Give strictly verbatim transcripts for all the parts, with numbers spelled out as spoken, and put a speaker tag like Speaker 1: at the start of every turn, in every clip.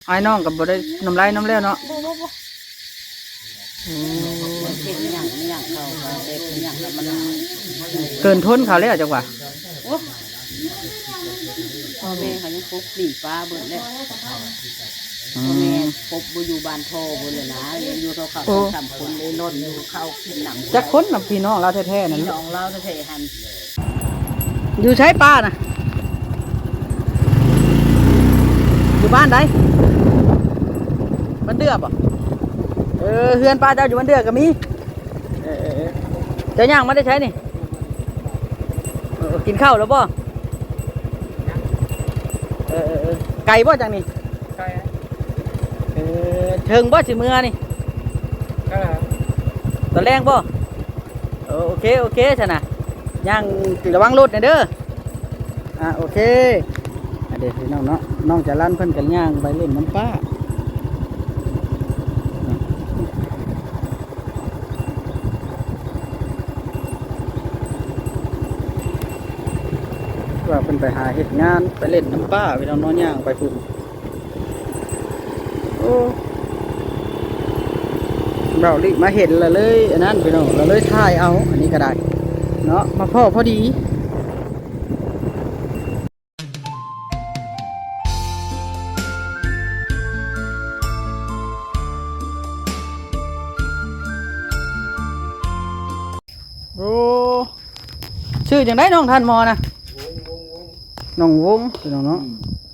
Speaker 1: ไอ้น้องกับบ่ได้น้ำลายน้ำแล้วเนาะ
Speaker 2: บ่บ่บ่
Speaker 1: อืม
Speaker 2: เฮ็ดหยังหยังเขาก็เฮ็ดหยังแล้วมัน
Speaker 1: เกินทนเขาแล้วจังหวะ
Speaker 2: โอ้พ่อแม่เขายังปกหลีฟ้าเบิดแล้ว
Speaker 1: อื
Speaker 2: พ่อแม่
Speaker 1: ม
Speaker 2: ปกบ่อยู่บ้านพ่อเบิดเลยนะเรียนอยู่เขาเขา
Speaker 1: โอ้
Speaker 2: สามคนเลยล้นอยู่เข้ากินหนัง
Speaker 1: จักคนน่ะพี่น้องเราแท้ๆนั่น
Speaker 2: พี่น้องเราแท้ๆหัน
Speaker 1: อยู่ใช้ป้าน่ะอยู่บ้านใดบ้านเดือบอ่ะเออเฮือนป้าเจ้าอยู่บ้านเดือก็มีเออเออเออเจ้าย่างมาได้ใช้นี่เออกินข้าวแล้วบ่เออเออเออไก่บ่จังนี่
Speaker 3: ใช่
Speaker 1: เออเทิงบ่สิเมื่อนี่
Speaker 3: ก็
Speaker 1: ตอนแรงบ่เออโอเคโอเคชนะย่างระวังรถนะเด้ออ่ะโอเคอ่ะเดี๋ยวพี่น้องเนาะน้องจะลั่นเพิ่นกันย่างไปเล่นน้ำป้าว่าเพิ่นไปหาเฮ็ดงานไปเล่นน้ำป้าพี่น้องเนาะย่างไปพุ่นโอ้เราลิมาเห็นและเลยอันนั้นพี่น้องเราเลยถ่ายเอาอันนี้ก็ได้เนาะมาพ่อพอดีโอ้ชื่อจังได้น้องท่านมอนะน้องวงพี่น้องเนาะ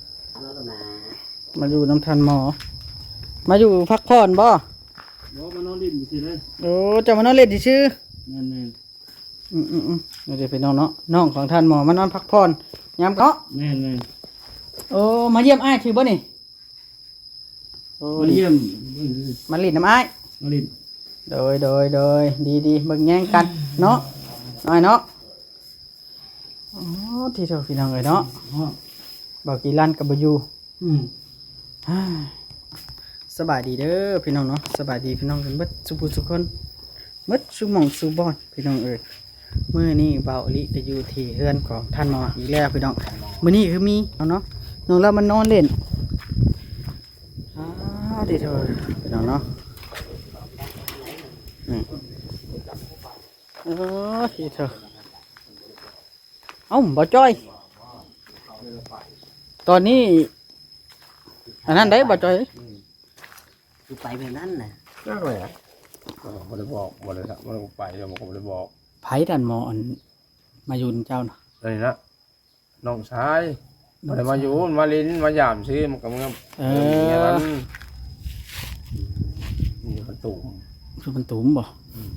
Speaker 1: มาอยู่น้ำท่านมอมาอยู่พักผ่อนบ่
Speaker 3: บอกมานอนลิ้นสิเลย
Speaker 1: โอ้เจะมานอนเล่นที่ชื่อ
Speaker 3: นั่นเอง
Speaker 1: อืมอืมอืมเดี๋ยวไปน้องเนาะน้องของท่านหมอมานอนพักผ่อนยามเนาะ
Speaker 3: แม่นเลย
Speaker 1: โอ้มาเยี่ยมอ้ายชื่อบ่นี่โอ้
Speaker 3: มาเยี่ยม
Speaker 1: มาเลินน้ำอ้าย
Speaker 3: มาลิ้น
Speaker 1: โดยโดยโดยดีดีเบิ่งแย่งกันเนาะน้อยเนาะอ๋อที่เท่าพี่น้องเลยเนาะ
Speaker 3: อ๋อ
Speaker 1: บอกกี่ลั่นกับบอยู่
Speaker 3: อืม
Speaker 1: ฮ่าสบายดีเด้อพี่น้องเนาะสบายดีพี่น้องกันเบิดสุขสุขคนเบิดสุหมองสุบอนพี่น้องเอ้ยมื้อนี้เบาอลิก็อยู่ที่เฮือนของท่านหมออีกแล้วพี่น้องมื้อนี้คือมีเอาเนาะน้องเรามันนอนเล่นอ่าดีเถอะพี่น้องเนาะนี่เออดีเถอะเอ้าบ่จ้อยตอนนี้อันนั้นได้บ่จ้อย
Speaker 2: คือไปแบบนั้นน่ะ
Speaker 3: ก็เลยอ่ะบ่ได้บอกบ่ได้บ่ได้ไปเดี๋ยวผมบ่ได้บอก
Speaker 1: ไผดันหมออันมาอยู่นำเจ้าน่ะ
Speaker 3: เลยนะน้องชายบ่ได้มาอยู่มาลิ้นมายามซื้อมันก็มัน
Speaker 1: เอ
Speaker 3: มี
Speaker 1: อ
Speaker 3: นั้นมีประตู
Speaker 1: คือมันตุ่มบ่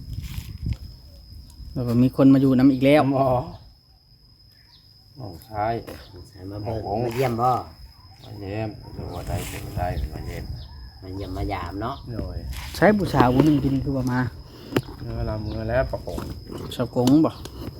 Speaker 1: แล้วก็มีคนมาอยู่นํอีกแล้ว
Speaker 3: หมอน้องชาย
Speaker 2: ใส่มาเบิ่งมาเยี่ยมบ่
Speaker 3: มาเยี่ยมดูว่าได้เป็นได้มาเยี่ยม
Speaker 2: มาเยี่ยมมายามเนาะ
Speaker 3: โดย
Speaker 1: ใช้บูชาวุ้นกินคือว่ามา
Speaker 3: เมื่อลามือแล้วประกง
Speaker 1: สะกงบ่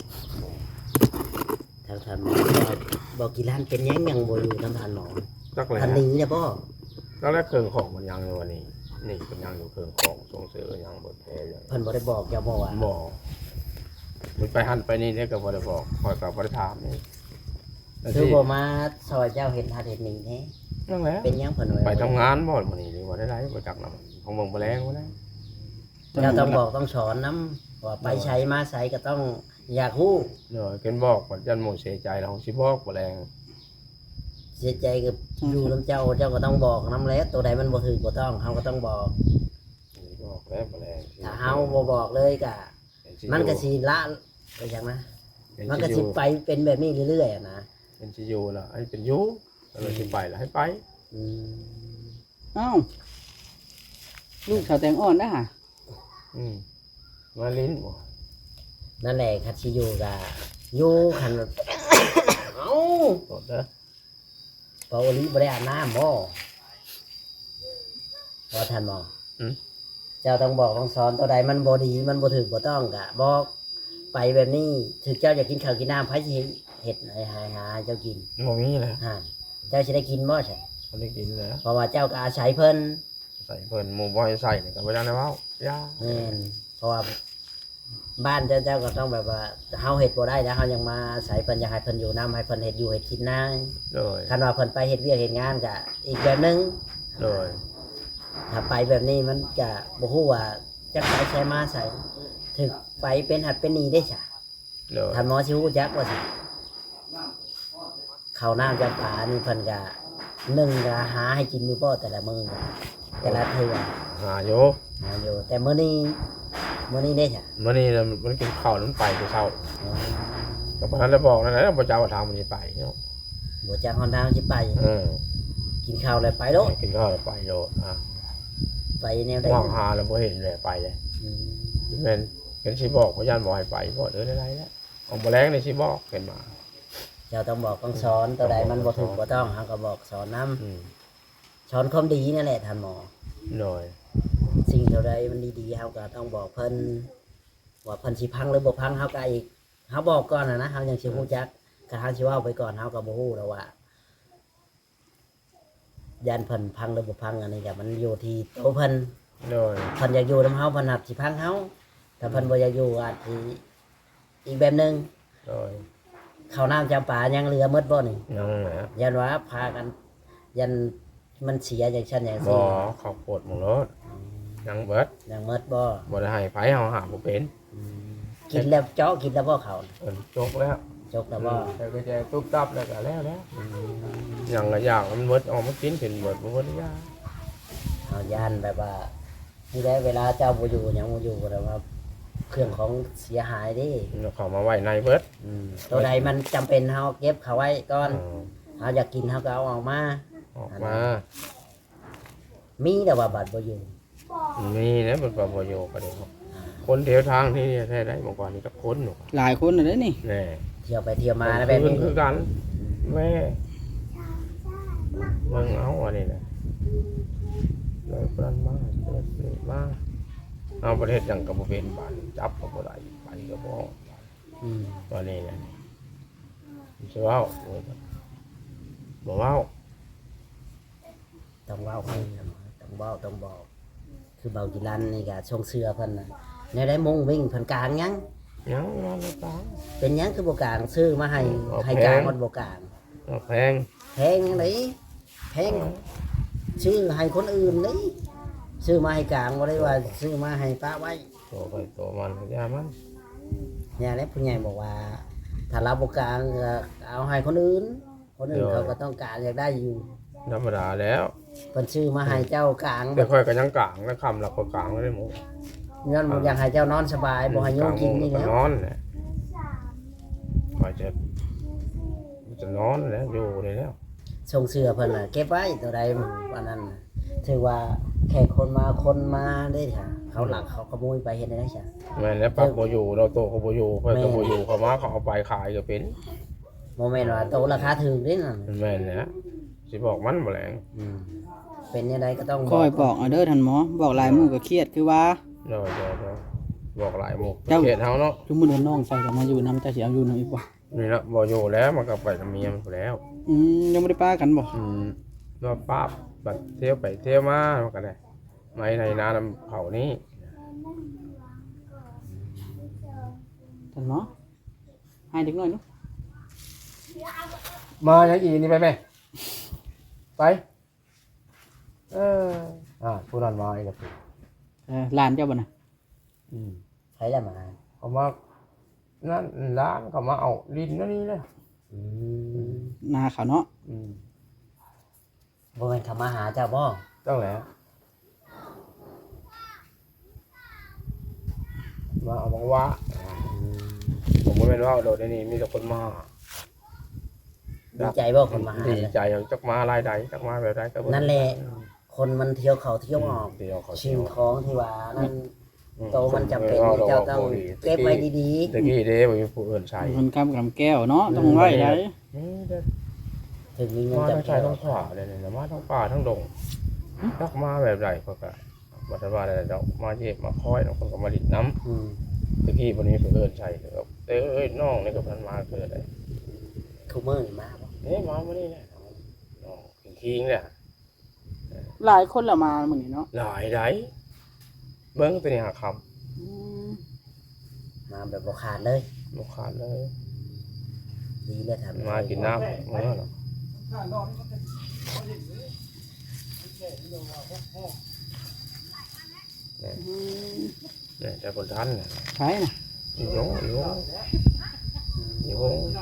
Speaker 2: ทางท่านหมอบอกกี่ล้านเป็นยังยังบ่อยู่ทางท่านหมอ
Speaker 3: จักเลย
Speaker 2: ท่านหนี้เนี่ยบ่
Speaker 3: ก็แล้วเครื่องของมันยังเลยวันนี้นี่เป็นยังอยู่เครื่องของส่งเสริมยังบดแพ้ยัง
Speaker 2: เพิ่นบ่ได้บอกเจ้าบ่ว่า
Speaker 3: บอกมันไปหันไปนี่เนี่ยก็บ่ได้บอกคอยกับบ่ได้ถามนี่แล้ว
Speaker 2: คือ
Speaker 3: ที่
Speaker 2: บ่มาซอยเจ้าเฮ็ดทานเฮ็ดหนี้แท้
Speaker 3: นั่นแหละ
Speaker 2: เป็นยังเพิ่นว่า
Speaker 3: ไปทำงานบ่มื้อนี้นี่บ่ได้ไรบ่จักนำของเบิ่งบ่แรงบ่ได้
Speaker 2: เจ้าต้องบอกต้องสอนนํว่าไปใช้มาใช้ก็ต้องอยากฮู้
Speaker 3: เดี๋ยวเกินบอกว่ายันหมู่เสียใจแล้วสิบอกบ่แรง
Speaker 2: เสียใจกับอยู่นํเจ้าเจ้าก็ต้องบอกนํแล้วตัวใดมันบ่ถูกบ่ต้องเฮาก็ต้องบอก
Speaker 3: สิบอกแล้วบ่แรง
Speaker 2: ถ้าเฮาบ่บอกเลยก็มันก็สิละไปจังนะมันก็สิไปเป็นแบบนี้เรื่อยๆอะนะ
Speaker 3: เป็นสิอยู่ล่ะให้เป็นอยู่แล้วสิไปล่ะให้ไป
Speaker 2: อืม
Speaker 1: เอ้าลูกสาวแตงอ่อนนะฮะ
Speaker 3: อืมมาลิ้นบ่
Speaker 2: นั่นแหละคัดสิอยู่ก็อยู่คัน เอ้า
Speaker 3: กดเด้อ
Speaker 2: ปาวลีบ่ได้อาบน้ำบ่บ่ทันบ่
Speaker 3: อืม
Speaker 2: เจ้าต้องบอกต้องสอนตัวใดมันบ่ดีมันบ่ถูกบ่ต้องก็บอกไปแบบนี้ถึงเจ้าอยากกินข้าวกินน้ำไผสิเฮ็ดให้หาหาเจ้ากิน
Speaker 3: บ่มีแล้ว
Speaker 2: ฮะเจ้าสิได้กินบ่ใช่
Speaker 3: บ่ได้กินแล้ว
Speaker 2: เพราะว่าเจ้าก็อาศัยเพิ่น
Speaker 3: ใส่เพิ่นหมู่บ่ให้ใส่นี่ก็บ่ได้นะเว้าย่า
Speaker 2: แม่นเพราะว่าบ้านเจ้าเจ้าก็ต้องแบบว่าเฮาเฮ็ดบ่ได้แล้วเฮายังมาอาศัยเพิ่นอยากให้เพิ่นอยู่นํให้เพิ่นเฮ็ดอยู่เฮ็ดกินนา
Speaker 3: เลย
Speaker 2: คันว่าเพิ่นไปเฮ็ดเวียกเฮ็ดงานก็อีกแบบหนึง
Speaker 3: โดย
Speaker 2: ถ้าไปแบบนี้มันจะบ่ฮู้ว่าจักไปใช้มาใส่ถึกไปเป็นหัดเป็นหนีได้จ้ะ
Speaker 3: โดย
Speaker 2: ท่านหมอสิฮู้จักว่าสิข้าวน้ำจำปานี่เพิ่นก็หนึ่งก็หาให้กินอยู่บ่แต่ละมื้อแต่ละเทื่อ
Speaker 3: หาโย
Speaker 2: หาอยู่แต่มื้อนี้มื้อนี้ได้จ้ะ
Speaker 3: มื่อนี้น่ะมันกินข้าวแล้วมันไปไปเช้า
Speaker 2: อ๋อ
Speaker 3: แต่พอนั้นได้บอกนั่นแหละพระเจ้าทางมันจะไปเนาะ
Speaker 2: บ่จักฮอนทางสิไป
Speaker 3: เออ
Speaker 2: กินข้าวแล้วไปโลด
Speaker 3: กินข้าวแล้วไปโยอ่ะ
Speaker 2: ไปแนวใด
Speaker 3: ว่างหาแล้วพอเห็นเลยไปเลย
Speaker 2: อืม
Speaker 3: เป็นเป็นชีบอกพยานบอกให้ไปบอกเดินอะไรแล้วของแมลงในชีบอกเห็นมา
Speaker 2: เจ้าต้องบอกต้องสอนตัวใดมันบ่ถูกบ่ต้องเฮาก็บอกสอนนํ
Speaker 3: อืม
Speaker 2: สอนความดีนั่นแหละท่านหมอ
Speaker 3: หน่อย
Speaker 2: สิ่งเท่าใดมันดีๆเฮาก็ต้องบอกเพิ่นว่าเพิ่นสิพังหรือบ่พังเฮาก็อีกเฮาบอกก่อนนะนะเฮายังสิฮู้จักกะเฮาสิเว้าไปก่อนเฮาก็บ่ฮู้แล้วว่ายันเพิ่นพังหรือบ่พังอันนี้ก็มันอยู่ที่ตัวเพิ่น
Speaker 3: หน่อย
Speaker 2: เพิ่นอยากอยู่นำเฮาเพิ่นหับสิพังเฮาถ้าเพิ่นบ่อยากอยู่อาจสิอีกแบบหนึง
Speaker 3: หน่อย
Speaker 2: ข้าวน้ำจำปายังเหลือหมดบ่นี่
Speaker 3: ยังไง
Speaker 2: ยันว่าพากัน ยันมันเสียอย่างเช่นอย่าง
Speaker 3: บ่
Speaker 2: ซี่
Speaker 3: ข้าวโพดหมองรถยังเบิด
Speaker 2: ยังหมดบ่
Speaker 3: บ่ได้ให้ไผเฮาหาบ่เป็น
Speaker 2: กินแล้วเจาะกินแล้วบ่เขา
Speaker 3: เอิ้นจกแล้ว
Speaker 2: จกแล้วบ่
Speaker 3: แต่ก็จะตุ๊บตับแล้วก็แล้วแล้วยังละอย่างมันเบิดออกมากินเป็นเบิดบ่เบิดยา
Speaker 2: เอาย่านแบบว่านี่แหละเวลาเจ้าบ่อยู่หยังบ่อยู่แต่ว่าเครื่องของเสียหายเดิ
Speaker 3: แล้วเข้ามาไว้ในเบิด
Speaker 2: ตัวใดมันจำเป็นเฮาเก็บเขาไว้ก่อน
Speaker 3: เออ
Speaker 2: เฮาอยากกินเฮาก็เอาออกมา
Speaker 3: ออกมา
Speaker 2: มีแต่ว่าบัดบ่อยู่
Speaker 3: มีนะมันก็บ่อยู่ก็ได้คนเดียวทางที่แท้ได้เมื่อก่อนนี่ก็คนหนู
Speaker 1: หลายคนน่ะเด้นี่
Speaker 3: แน่
Speaker 2: เที่ยวไปเที่ยวมาแล้วแบบ
Speaker 3: คื
Speaker 2: นี้
Speaker 3: อคือกันแม่เบิ่งเอาอันนี้นะเลยปรันมาเปิดนี่มาเอาประเทศยังกับบ่เป็นบ้านจับก็บ่ได้ไปก็บ่
Speaker 2: อืม
Speaker 3: ตัวนี้นะสิเว้าบ่เว้า
Speaker 2: ต้องเว้าให้ต้องเว้าต้องบอก คือเบากิรันนี่ก็ชงเสื้อเพิ่นน่ะในได้มุ่งวิ่งเพิ่นกลางยัง
Speaker 3: ยังนอนตา
Speaker 2: เป็นหยังคือบ่กลางซื้อมาให้
Speaker 3: เอา
Speaker 2: ให้
Speaker 3: แพง
Speaker 2: กลางมันบ่กลาง
Speaker 3: เอาแพง
Speaker 2: แพงจังไดแพงซื้อให้คนอื่นนี่ซื้อมาให้กลางบ่ได้ว่าซื้อมาให้ป้าไว้
Speaker 3: ตัวไปตัวมันก็ยามัน
Speaker 2: เนี่ยแหละผู้ใหญ่บอกว่า ถ้าเราบ่กลางก็เอาให้คนอื่น คนอื่นเขาก็ต้องการอยากได้อยู่
Speaker 3: ธรรมดาแล้ว
Speaker 2: เพิ่นซื้อมาให้เจ้ากลาง
Speaker 3: แต่ค่อยก็ยังกลางนะคำละก็กลางได้หมด
Speaker 2: เงินบ่อยากให้เจ้านอนสบายบ่ให้โยมกินนี่
Speaker 3: กลาง
Speaker 2: แหล้ว
Speaker 3: นอนแหละก็จะจะนอนแล้วอยู่นี่แล้ว
Speaker 2: ส่งเสื้อเพิ่นน่ะเก็บไว้ตัวใดวันนั้นน่ะถือว่าแขกคนมาคนมาได้ค่ะเขาหลักเขาขโมยไปเฮ็ดได้จ้ะ
Speaker 3: แม่นแล้วปักโบอยู่เราโตเขาโบอยู่เพื่อนก็โบอยู่เขามาเขาเอาไปขายก็เป็น
Speaker 2: บ่แม่นว่าโตราคาถูกเด้นั่น
Speaker 3: แม่นนะสิบอกมันแมลง
Speaker 2: อืมเป็นยังไงก็ต้อง
Speaker 1: คอยบอกเอาเด้อท่านหมอบอกหลายหมู่ก็เครียดคือว่า
Speaker 3: เดี๋ยวเดี๋ยวเดี๋ยวบอกหลายหมุก
Speaker 1: เจ้า
Speaker 3: เขตเฮาเนาะ
Speaker 1: ทุกมื้อนี้น้องใส่ก็มาอยู่นำเจ้าสิเอาอยู่นำอีกบ่
Speaker 3: นี่ละโบอยู่แล้วมันก็ไปกับเมียมันไปแล้ว
Speaker 1: อืมยังบ่ได้ป้ากันบ่
Speaker 3: อืมว่าป้าบัดเที่ยวไปเที่ยวมามันก็ได้ไม่ในนาน้ำเผานี้
Speaker 1: ท่านหมอให้เด็กน้อยเนาะ
Speaker 3: มาอย่างอีนี่ไปไหมไปเอออ่าผู้นั้นมาอีกแล้ว
Speaker 1: เออหลานเจ้าบ่น่ะ
Speaker 3: อืม
Speaker 2: ใช้ได้มา
Speaker 3: เขามานั่นร้านเขามาเอาดินนั่นนี่เลย
Speaker 2: อืม
Speaker 1: นาเขาเนาะ
Speaker 3: อืม
Speaker 2: บ่แม่นเขามาหาเจ้าบ่
Speaker 3: ต้องแหละมาเอาบังวะผมไม่เป็นว่าโดดในนี้มีแต่คนมา
Speaker 2: ดีใจบ่คนมาหา
Speaker 3: ดีใจอย่างจักมาลายใดจักมาแบบใดก็บ่
Speaker 2: นั่นแหละ คนมันเที่ยวเขาเที่ยวออก
Speaker 3: เที่ยวเขา
Speaker 2: ชิ
Speaker 3: เที่
Speaker 2: ง
Speaker 3: ยว
Speaker 2: ของที่ว่านั่น
Speaker 3: อื
Speaker 2: โตมันจำเป็นเจ้าต้องเก็บไว้ดี
Speaker 3: ตะกี้เด้บ่มีผู้อื่นใช้
Speaker 1: คนกำกับแก้วเนาะต้องไว้ได้
Speaker 3: นี่เด้อ
Speaker 2: ๆถึงมีเงิน
Speaker 3: มาทั้ง
Speaker 2: จำ
Speaker 3: ชาย
Speaker 2: เป็น
Speaker 3: ทั้งขวาเลยเนี่ยมาทั้งป่าทั้งดงจักมาแบบใดก็ก็บ่ทันว่าได้ดอกมาเย็บมาคอยบางคนก็มาดิดน้ำ
Speaker 2: อืม
Speaker 3: ตะกี้วันนี้เพิ่นใช่เลยครับเต้เอ้ยน้องนี่ก็เพิ่นมาเกิดได้
Speaker 2: คูเมอร์นี่มาบ่
Speaker 3: เอ๊ะมามื้อนี้แหละน้องคิงๆเนี่ย
Speaker 1: หลายคนละมามื้อนี้เนาะ
Speaker 3: หลายไดเบิ่งตัวนี้หาค
Speaker 1: อืม
Speaker 2: มาแบบบ่ขาดเลย
Speaker 3: ำบ่ขาดเลย
Speaker 2: ดีเลยครับ
Speaker 3: มากินน้ำมื้อเนาะเนี่ยเนี่ยแต่คนทันเนี่ย
Speaker 1: ใช่น่ะ
Speaker 3: อยู่โยอยู่อยู่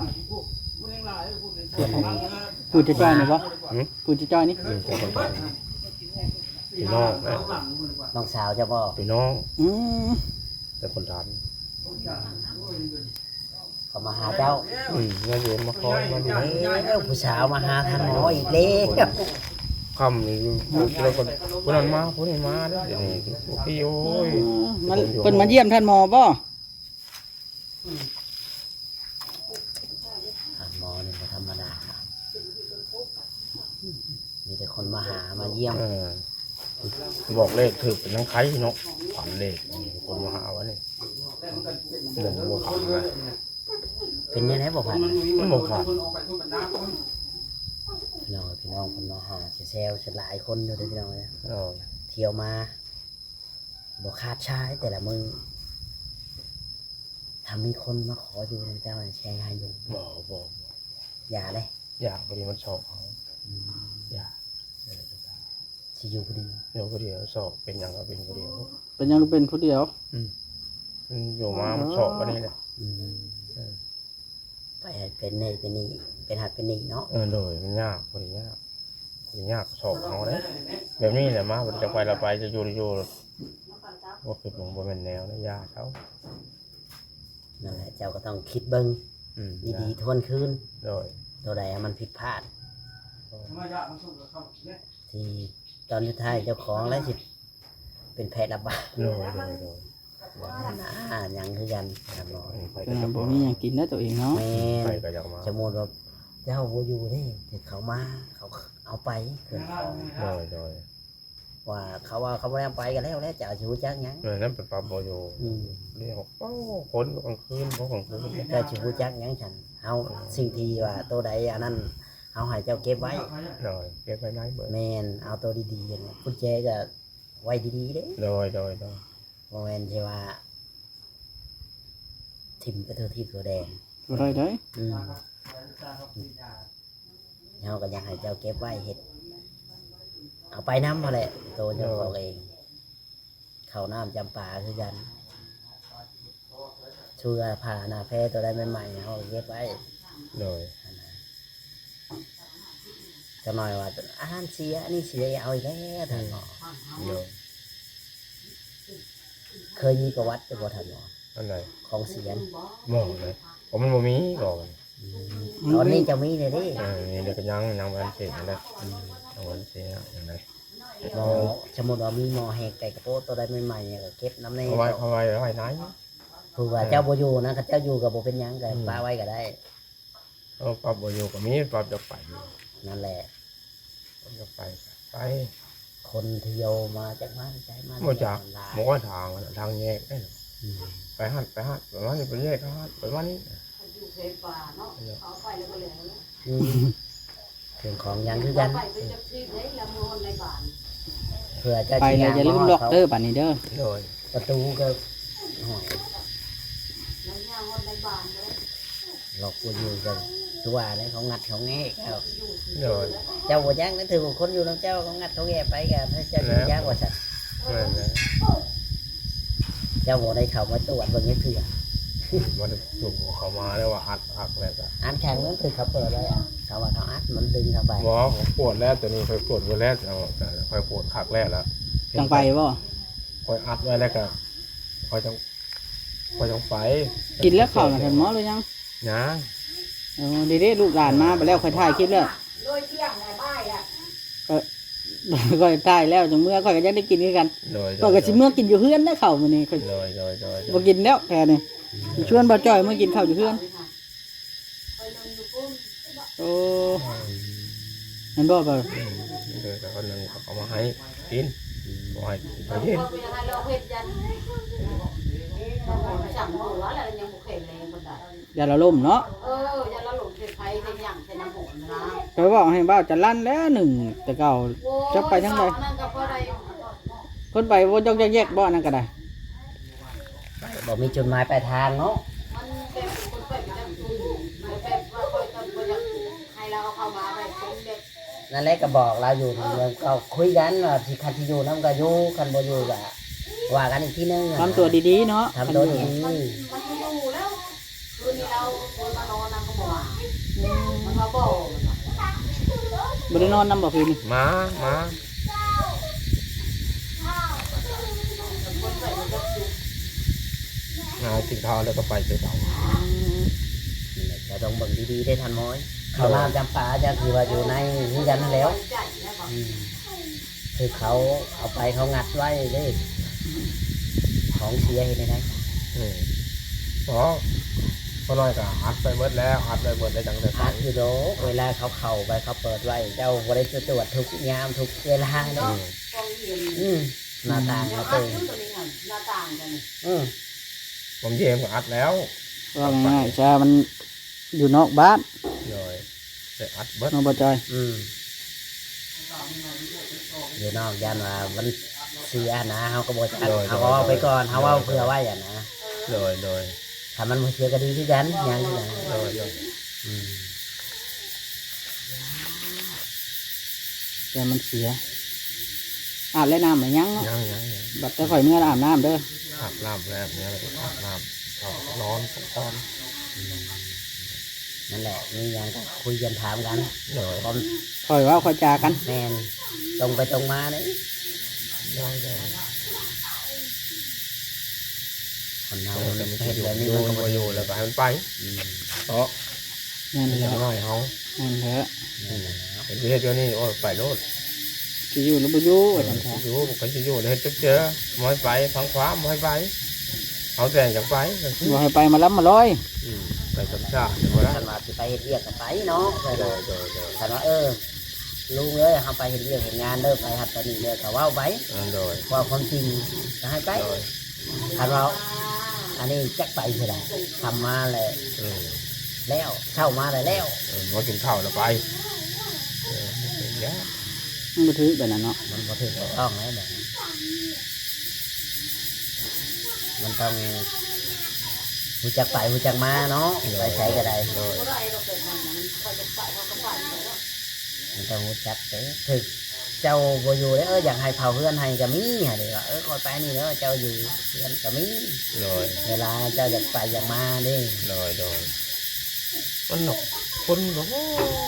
Speaker 1: พูดจะจ้อยนี่บ่
Speaker 3: หืม
Speaker 1: พูดจะจ้อยนี่
Speaker 3: อยู่แต่คนทันพี่น้องนะ
Speaker 2: น้องสาวจะบอก
Speaker 3: พี่น้อง
Speaker 1: อืม
Speaker 3: แต่คนทัน
Speaker 2: เขามาหาเจ้า
Speaker 3: อืมมาอยู่มาคอยมาดี
Speaker 2: เอ้าผู้สาวมาหาท่านหมออีกแล้ว
Speaker 3: คำนี่เราคนคนนั้นมาคนนี้มาเด้อเดี๋ยวนี้พี่โอ้ย
Speaker 1: มันเพิ่นมาเยี่ยมท่านหมอบ่
Speaker 2: ท่านหมอนี่บ่ธรรมดามีแต่คนมาหามาเยี่ยม
Speaker 3: เออบอกเลขถือเป็นทั้งไข่เนาะฝันเลขคนมาหาวะนี่บอกว่าฝันนะ
Speaker 2: เป็นยังไงบอกผ่าน
Speaker 3: มันบอกฝัน
Speaker 2: พี่น้องพี่น้องคนมาหาเซลล์หลายคนอยู่เด้อพี่น้องเนี่ย
Speaker 3: เออ
Speaker 2: เที่ยวมาบอกคาดชายแต่ละมือถ้ามีคนมาขออยู่ในเจ้าแชร์งานอยู่
Speaker 3: บอกบอก
Speaker 2: อย่าเลย
Speaker 3: อยากพอดีมันสอบเขาอยาก
Speaker 2: สิอยู่พอดี
Speaker 3: เดี๋ยวพอดีสอบเป็นอย่างก็เป็นพอดี
Speaker 1: เป็นยังเป็นผู้เดียว
Speaker 3: มันอยู่มามันสอบวันนี้แหละ
Speaker 2: อืมไปเป็นนี่เป็นนี่เป็นหัดเป็นนี่เนาะ
Speaker 3: เออเลยมันยากพอดียากพอดียากสอบเขาเลยแบบนี้แหละมาวันจะไปเราไปจะอยู่อยู่ว่าคือผมว่าเป็นแนวนะยากเขา
Speaker 2: นั่นแหละเจ้าก็ต้องคิดเบิ้ง
Speaker 3: อืม
Speaker 2: ดีๆทวนคืน
Speaker 3: โดย
Speaker 2: ตัวใดมันผิดพลาด ที่ตอนสุดท้ายเจ้าของแล้วสิเป็นแพทย์ระบาด
Speaker 3: โดยโดยโดย
Speaker 2: อ่าอย่างคือกันครับเนาะ
Speaker 3: ไป
Speaker 1: แต่
Speaker 3: ก็จะ
Speaker 1: บ่มีหยังกินนะตัวเองเนาะ
Speaker 2: แม่
Speaker 3: ไป
Speaker 2: น
Speaker 3: ก็จะมา
Speaker 2: สมมติว่าเจ้าโบอยู่นี่เดี๋ยวเขามาเขาเอาไปเกินของ
Speaker 3: โดยโดย
Speaker 2: ว่าเขาว่าเขาไม่ได้เอาไปกันแล้วแล้วจะเอาชิวจักหยัง
Speaker 3: โดยนั้นเป็นปลาโบโย
Speaker 2: อืม
Speaker 3: เรียกเป้าคนกลางคืนเพราะกลางคืน
Speaker 2: เจ้าชิวจักหยังฉันเอาสิ่งที่ว่าตัวใดอันนั้นเอาให้เจ้าเก็บไว้
Speaker 3: โดยเก็บไว้ไหนเบิด
Speaker 2: แมนเอาตัวดีๆนะกุญแจก็ไว้ดีๆเด้
Speaker 3: โดยโดยโดย
Speaker 2: โมเมนใช่ว่าทิมก็เธอที่ตัวแดง
Speaker 1: บ่ได้เด้
Speaker 2: อืมเราก็อยากให้เจ้าเก็บไว้เห็ดเอาไปน้ำมาแหละตัวเจ้าของเองเขาน้ำจำปาคือกันเชื่อผ่าหน้าแพ้ตัวได้ใหม่ๆเขาก็เก็บไว้
Speaker 3: โดย
Speaker 2: จะหน่อยว่าอาหารเสียอันนี้เสียอย่าเอาอีกแล้วท่านหมอ
Speaker 3: โดย
Speaker 2: เคยมีประวัติเป็นบ่ท่านหมอ
Speaker 3: อันไหน
Speaker 2: ของเสียน
Speaker 3: มองเลยผมมันบ่มีก่อน
Speaker 2: ตอนนี้จะมีเลยดิ
Speaker 3: เออนี่เด็กก็ยังยังวันเสร็จนะยังวันเสร็จอย่างไร
Speaker 2: หมอสมมติว่ามีหมอแหกไก่กระโปงตัวได้ใหม่ๆเนี่ยก็เก็บน้ำใน
Speaker 3: เอาไว้เอาไว้เอาไว้ไหน
Speaker 2: คือว่าเจ้าบ่อยู่นะถ้าเจ้าอยู่กับบ่เป็นหยังก็ป้าไว้ก็ได้
Speaker 3: เอาปรับโบโยก็มีปรับจะไป
Speaker 2: นั่นแหละ
Speaker 3: ปรับจะไปไป
Speaker 2: คนเที่ยวมาจากบ้านใจมา
Speaker 3: หมดจากหมอทางทางแยกได้
Speaker 2: อืม
Speaker 3: ไปหัดไปหัดไปวันนี้ไปแยกหัดไปวันนี้
Speaker 2: อืมเรื่องของหยังคือกันเผื่อเจ้า
Speaker 1: ไป
Speaker 2: สิ
Speaker 1: เลยอย่าลืมล็อกเด้อบัดนี้เด้อ
Speaker 3: โดย
Speaker 2: ประตูก็หอยล็อกบ่อยู่กันคือว่าแล้วเขางัดเขาแงะเอา
Speaker 3: โดย
Speaker 2: เจ้าบ่ยังนั่นถือว่าคนอยู่นํเจ้าเขางัดเขาแงะไปกันถ้าเจ้าสิยากกว่าซั่น
Speaker 3: นั่นแหละ
Speaker 2: เจ้าบ่ได้เข้ามาตรวจเบิ่งจักเทื่อ
Speaker 3: มันถูกเขามาแล้วว่าอัดอักแล้วก็
Speaker 2: อันแข็งนั้นคือเขาเปิดไว้อะเขาว่าเขาอัดมันดึงเข้าไป
Speaker 3: หมอผมปวดแล้วตัวนี้เคยปวดไปแล้วเอาแต่คอยปวดขักแรกแล้ว
Speaker 1: จังไปบ่
Speaker 3: คอยอัดไว้แล้วก็คอยจังคอยจังไป
Speaker 1: กินแล้วข้าวน่ะท่านหมอเลยยัง
Speaker 3: นะ
Speaker 1: เออดีเด้ลูกหลานมาไปแล้วค่อยถ่ายคลิปแล้ว
Speaker 4: โดยเที่ยงในบ้านอ่ะ
Speaker 1: ค่อยถ่ายแล้วจังเมื่อค่อยก็ยังได้กินคือกัน
Speaker 3: โดย
Speaker 1: ก็ก็สิเมื่อกินอยู่เฮือนได้ข้าวมื้อนี้ค่อย
Speaker 3: โดยโดยโดย
Speaker 1: บ่กินแล้วแค่นี้ชวนบ่จ้อยมากินข้าวอยู่เฮือน
Speaker 4: ไปนอนอยู่ปุ้ม
Speaker 1: โอ้นั่นบ่บ่
Speaker 3: โดยแต่คนหนึ่งเขาเอามาให้กินบ่ให้ไปกิน
Speaker 4: พอไปยังไงเราเฮ็ดยันสั่งหัวแล้วยังบุกเข็มเลยคนใด
Speaker 1: อย่าละล่มเนาะ
Speaker 4: เออยันเราหลงเข็มไฟเป็นอย่างเป็นน้ำหอมนะ
Speaker 1: ไปบอกให้บ่าวจะลั่นแล้วหนึ่งแต่เก่า จะไปทางใด
Speaker 4: นั่นก็เพราะใด
Speaker 1: เพิ่นไปบ่ยกแยกๆบ่นั่นก็ได้
Speaker 2: บอกมีจุดหมายปลายทางเนาะ
Speaker 4: มันเป็นคนไปจังคุยมันเป็นว่าคอยตอนคอยยังให้เราเข้ามาไปเป็นเด็ก
Speaker 2: นั่นแหละก็บอกเราอยู่มันก็คุยกันว่าสิคันที่อยู่น้ำก็อยู่คันบ่อยู่ก็ว่ากันอีกทีนึงอะ
Speaker 1: ทำตัวดีๆเนาะ
Speaker 2: ทำตัวดี
Speaker 4: มันไม่อยู่แล้วคืนนี้เราคืนมานอนนำก็บอกว่ามันมาบอก
Speaker 1: บ่ได้นอนนำบ่คืนนี่
Speaker 3: มามา
Speaker 4: คนใส่มันจะจุก
Speaker 3: เอากินข้าวแล้วก็ไปเจอเต่า
Speaker 2: นี่แหละจะต้องเบิ่งดีๆได้ทันม้อยเขาน้ำจำปาจะคือว่าอยู่ในนี่ยันนั่นแล้ว
Speaker 4: ใจนะบอก
Speaker 2: อืมคือเขาเอาไปเขางัดไว้เด้ของเสียเห็นไหม
Speaker 3: อืมเพราะพอน้อยก็อัดไปเบิดแล้วอัดไปเบิดได้จังแต่
Speaker 2: อาคือโดเวลาเขาเข่าไปเขาเปิดไว้ เจ้าบริสุทธิ์ตรวจทุกยามทุกเวลาเนาะ
Speaker 4: กองเย็น
Speaker 2: อืมหน้าต่าง
Speaker 4: เอา
Speaker 2: เขา
Speaker 4: อั
Speaker 2: เต็
Speaker 4: ด
Speaker 2: ม
Speaker 4: ขึ้นตัวนี้ค่ะหน้าต่างกันนี่
Speaker 2: อืม
Speaker 3: ผมเยมก็อัดแล้ว
Speaker 1: ว่าง่ายๆจ้ามันอยู่นอกบ้าน
Speaker 3: เลยแต่อัดเบิด
Speaker 1: เนาะบ่จอย
Speaker 2: อืมอยู่นอกยันว่ามันเสียนะเขาก็บอกจะเขาก็เอาไปก่อนเขาเอาเพื่อไว้อ่ะนะ
Speaker 3: เลยเลย
Speaker 2: ถ้ามันบ่เสียก็ดีที่กันยังที่นะ
Speaker 3: เลยเลย
Speaker 2: อืม
Speaker 1: แต่มันเสียอาบแล้วน้ำไม่ยั้งเนาะ
Speaker 3: ยังยังยัง
Speaker 1: บัดแต่ข่อยเมื่ออาบน้ำเด้อ
Speaker 3: อาบน้ำแล้วเนี่ยแล้วก็อาบน้ำเอานอนตอน
Speaker 2: นั่นแหละนี่ยังก็คุยกันถามกัน
Speaker 3: เลย
Speaker 2: ความ
Speaker 1: ข่อยเว่าข่อยจากัน
Speaker 2: แมนตรงไปตรงมาเนี่ย
Speaker 3: ยังยัง
Speaker 2: คนเรา
Speaker 3: แต่มัน
Speaker 2: เห็น
Speaker 3: อยู่
Speaker 2: แบบ
Speaker 3: อ
Speaker 2: นี้
Speaker 3: ยู่
Speaker 2: มันก็
Speaker 3: มา
Speaker 2: บ่
Speaker 3: อยู่แล้วก็ให้มันไป
Speaker 2: อืม
Speaker 3: เพราะ
Speaker 1: นั่น
Speaker 3: มัน
Speaker 1: แห
Speaker 3: จะ
Speaker 1: ละ
Speaker 3: ง่ายเขา
Speaker 1: นั่นแหละ
Speaker 2: นั่นแหละ
Speaker 3: เห็นประเทศเดียวนี่โอ้ยไปโลด
Speaker 1: สิอยู่หรือบ่อยู่ว่าซั่นค่ะ
Speaker 3: อยู่ผมก็จะอยู่เลยจุ๊บเจอมอยไปทางขวามอยไปเอาแต่งจากไปก็คือ
Speaker 1: บ่ให้ไปมาล้ำมาลอย
Speaker 3: อืมไปกับชาติเดี๋ยวบ่ได้
Speaker 2: ท่านว่าสิไปเฮ็ดเรียกกันไปเนาะไป
Speaker 3: โด
Speaker 2: เลย
Speaker 3: ยโดยโดย
Speaker 2: ท่านว่าเออลุงเอ้ยเขาไปเฮ็ดเรียกเฮ็ดงานเด้อไปหัดไปนี่เด้อก็เว้าไป
Speaker 3: โดย
Speaker 2: ว่าความจริงก็ให้ไป
Speaker 3: โดย
Speaker 2: ท่านว่าอันนี้จักไปเท่าใดทำมาแล้ว
Speaker 3: เออ
Speaker 2: แล้วเช่ามาแล้วแล้ว
Speaker 3: เออมากินข้าวแล้วไปเออเป็นอย่างเงี้ย
Speaker 1: มันบ่ถือแบบนั้นเนาะ
Speaker 2: มันบ่ถูกต้องแล้วแบบนี้มันต้องรู้จักไปรู้จักมาเนาะไปใช้ก็ได้
Speaker 3: โดย
Speaker 4: ก็ได้เราเป็นมันมันคอยจะไปเขาก็ไปแล้ว
Speaker 2: มันต้องรู้จักเด้ถึกเจ้าบ่อยู่เด้อเอออยากให้เผาเพื่อนให้ก็มีฮะเด้ว่าเออคอยไปนี่เด้อเจ้าอยู่เพื่อนก็มี
Speaker 3: โดย
Speaker 2: เวลาเจ้าอยากไปอยากมาเด้
Speaker 3: โดยโดยมันหนกคนก็โอ้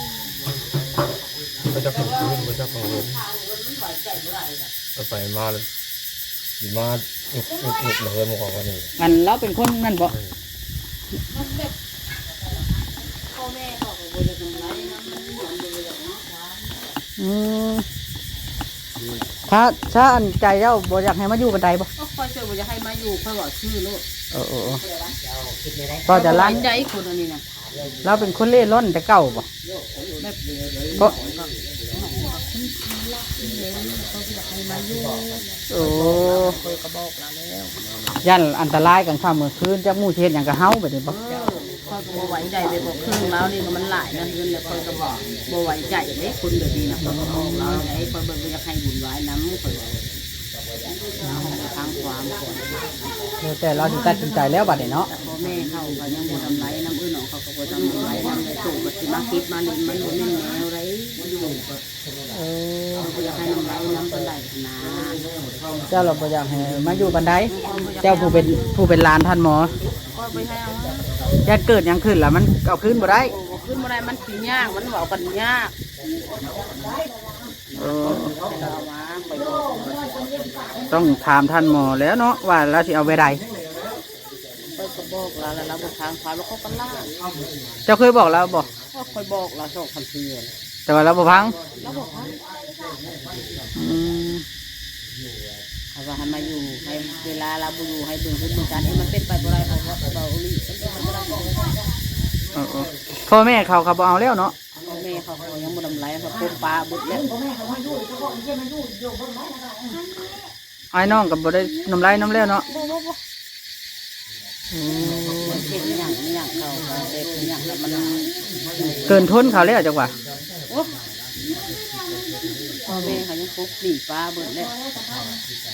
Speaker 3: ไปจับของคืนไปจับของคืน
Speaker 4: ข้าวมันมันไหวใจเมื่อไหร่ล่ะ
Speaker 3: ไปไปมาเลยสิมาหยุกหยุกหยุกเลยมาของวันนี้
Speaker 1: อันเราเป็นคนนั่นบ่
Speaker 4: มันแบบพ่อแม่เขาก็บ่ได้ทำไรนะมันเหมือนเลยเนาะ
Speaker 1: อืมถ้าถ้าอันใจเจ้าบ่อยากให้มาอยู่กันใดบ่
Speaker 4: ก็คอยช่วยบ่จะให้มาอยู่ค่อยบอกชื่อลูก
Speaker 1: เออเออเออ
Speaker 2: เจ้าคิดได้ได้
Speaker 1: ก็จะล้าง
Speaker 4: ใจคนอันนี้นะ
Speaker 1: เราเป็นคนเล่ร่อนแต่เก่าบ่
Speaker 4: แบบ
Speaker 1: ก็
Speaker 4: เขาอยากให้มาอยู่
Speaker 1: โอ้
Speaker 4: คอยก็บอกเราแล้ว
Speaker 1: ยันอันตรายกันค่ำกลางคืนจักมู่สิเฮ็ดหยังกับเฮาแบบนี้บ่
Speaker 4: เออคอยก็บ่ไหวใจไปบอกครึ่งแล้วนี่ก็มันหลายนั่นเงินแล้วคอยก็บอกบ่ไหวใจเด้คนแบบนี้นะคอยก็บอกเราไอ้คอยบ่อยากให้บุญไว้น้ำคอยเราทางความก่อน
Speaker 1: แล้วแต่เราสิตัดสินใจแล้วบัดนี้เนาะ
Speaker 4: แต่พ่อแม่เขาก็ยังบ่ทำไรน้ำอื่นของเขาก็บ่ทำไรน้ำในตู้ก็สิมาคิดมาเล่นมันบ่แม่นแนวไรอยู่ก็
Speaker 1: เออ
Speaker 4: เขาบ่อยากให้น้ำไรน้ำปานใดนะ
Speaker 1: เจ้าเราบ่อยากให้มาอยู่กันใดเจ้าผู้เป็นผู้เป็นหลานท่านหมอ
Speaker 4: ก็ไปให้เอา
Speaker 1: ยันเกิดหยังขึ้นล่ะมันเอาขึ้นบ่ได้
Speaker 4: โอ้ขึ้นบ่ได้มันสิยากมันเว้ากันยาก
Speaker 1: เออ
Speaker 4: ให้เรามาไปบอก
Speaker 1: ต้องถามท่านหมอแล้วเนาะว่าเราสิเอาไปใด
Speaker 4: ไปก็บอกเราแล้วเราบ่ทางความแล้วเขาก็ล่า
Speaker 1: เจ้าเคยบอกเราบ่
Speaker 4: ก็คอยบอกเราสองพันเทื่อ
Speaker 1: แต่ว่าเราบ่ฟัง
Speaker 4: แล้วบอกว่า
Speaker 1: อืม
Speaker 4: เขาว่าให้มาอยู่ให้เวลาเราบ่อยู่ให้เบิ่งขึ้นเบิ่งการให้มันเป็นไปบ่ได้เพราะว่าเราอีหลีมันเป็นไปบ่ได้
Speaker 1: เออเออพ่อแม่เขาเขาบ่เอาแล้วเนาะ
Speaker 4: พ่อแม่เขาก็ยังบ่ทำไรเขาปลูกปลาบุดแล้ว
Speaker 1: ไอ้น้องก็บ่ได้น้ำลายน้ำแล้วเนาะอืม
Speaker 4: เช่นอหย่างอหย่างเขาก็เด็กอหย่างแล้วมัน
Speaker 1: เกินทนเขาแล้วจังหวะ
Speaker 4: โอ้พ่อแม่เขายังปลูกปลีปลาเบิดแล้ว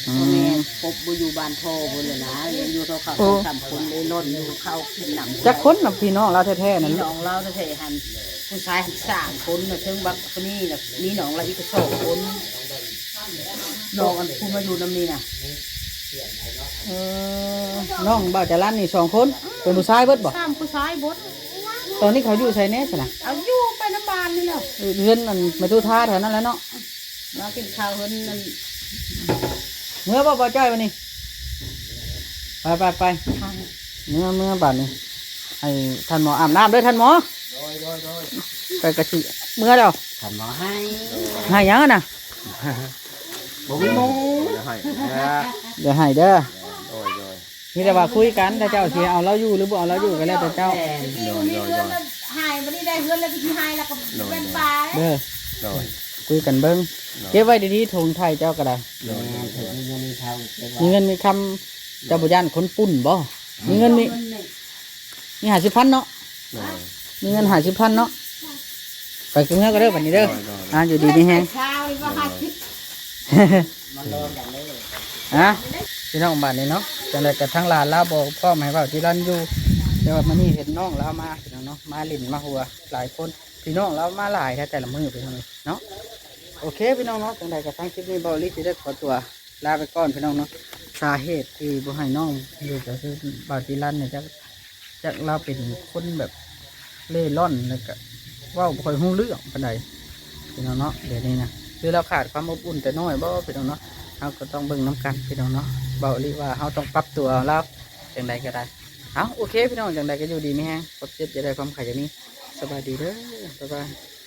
Speaker 1: อื
Speaker 4: พ่อแม่
Speaker 1: ม
Speaker 4: พบบ่อยู่บ้านพ่อพุ่นเลยนะเรียนอยู่เท่าเขา
Speaker 1: โอ้
Speaker 4: สามคนเลยล้นอยู่เข้าขึ้นหนำ
Speaker 1: จักคนน่ะพี่น้องเราแท้ๆนั่น
Speaker 4: มี
Speaker 1: ลู
Speaker 4: น้
Speaker 1: ก
Speaker 4: องเราจะเทหันผู้ชายหันสามคนน่ะถึงบักคนนี้น่ะมีน้องเราอีกสองคนน้องอันผู้มาอยู่นำนี่น่ะ
Speaker 1: เออน้องบ่าวจรันนี่สองคนเป็นผู้ชายเบิดบ่
Speaker 4: สามผู้ชายบด
Speaker 1: ตอนนี้เขาอยู่ไสแน่ซะนะ
Speaker 4: เอาอยู่ไปน้ำบานนี่แหละ
Speaker 1: เรือนมันไม่ตู้ท่าแถวนั้นแหล้วเนาะ
Speaker 4: มากินข้าวเพิ่นนั่น
Speaker 1: เมื่อบ่บ่จ้อยวันนี้ไปไปไปเมื่อเมื่อบัดนี้ให้ท่านหมออาบน้ำเด้วยท่านหมอไปกระชิเมื่อแล้ว
Speaker 2: ทำหมอให้
Speaker 1: ให้หยังอะน่ะ
Speaker 2: บ่มีหมู
Speaker 3: เดี๋ยวให้นะ
Speaker 1: เดี๋ยวให้เด้อ
Speaker 3: โดยโดย
Speaker 1: มีแต่ว่าคุยกันถ้าเจ้าสิเอาเราอยู่หรือบ่เอาเราอยู่ก็แล้วแต่เจ้า
Speaker 2: แม่น
Speaker 4: นี่มีเงินแล้วหายวันนี้ได้เงินแล้วไปที่หายแล้วก็เป็นปลา
Speaker 1: เด้อ
Speaker 3: โดย
Speaker 1: คุยกันเบิ่งเก็บไว้ดีๆถุงไทยเจ้าก็ได้
Speaker 2: แม่นถึงมีเงินมีทองเก็บไว้
Speaker 1: มีเงินมีคำเจ้าบุญานคนปุ่นบ่มีเงินมีมีหาสิบพันเนาะ
Speaker 3: โดย
Speaker 1: มีเงินหาสิบพันเนาะไปกินเมื่อก็เด้อวันนี้เด้อ
Speaker 3: โดยโดย
Speaker 1: อ่าอยู่ดีนี่แฮง
Speaker 4: เช้านี่ว่าหาคิดมันโดนกันเลย
Speaker 1: อ่ะพี่น้องบ้านนี้เนาะจังได๋กระทั่งหลานลาบอกพ่อแม่ว่าที่ร้านอยู่แต่ว่ามื้อนี้เห็นน้องเรามาพี่น้องเนาะมาลิ้นมาหัวหลายคนพี่น้องเรามาหลายแท้แต่ละมื้อพี่น้องเนาะโอเคพี่น้องเนาะจังได๋กระทั่งคลิปนี้บ่ลิสิได้ขอตัวลาไปก่อนพี่น้องเนาะสาเหตุที่บ่ให้น้องอยู่ก็คือบ่าวที่ร้านเนี่ยจักจักเราเป็นคนแบบเล่ร่อนแล้วก็เว้าบ่ค่อยฮู้เรื่องปานใดพี่น้องเนาะเดี๋ยวนี้นะคือเราขาดความอบอุ่นแต่น้อยบ่พี่น้องเนาะ เราก็ต้องเบิ่งน้ำกันพี่น้องเนาะเบาลีว่าเราต้องปรับตัวแล้วอย่างใดก็ได้เอาโอเคพี่น้องอย่างใดก็อยู่ดีไม่แห้งกดเจ็บจะได้ความขยันนี้สบายดีเด้อบ๊ายบาย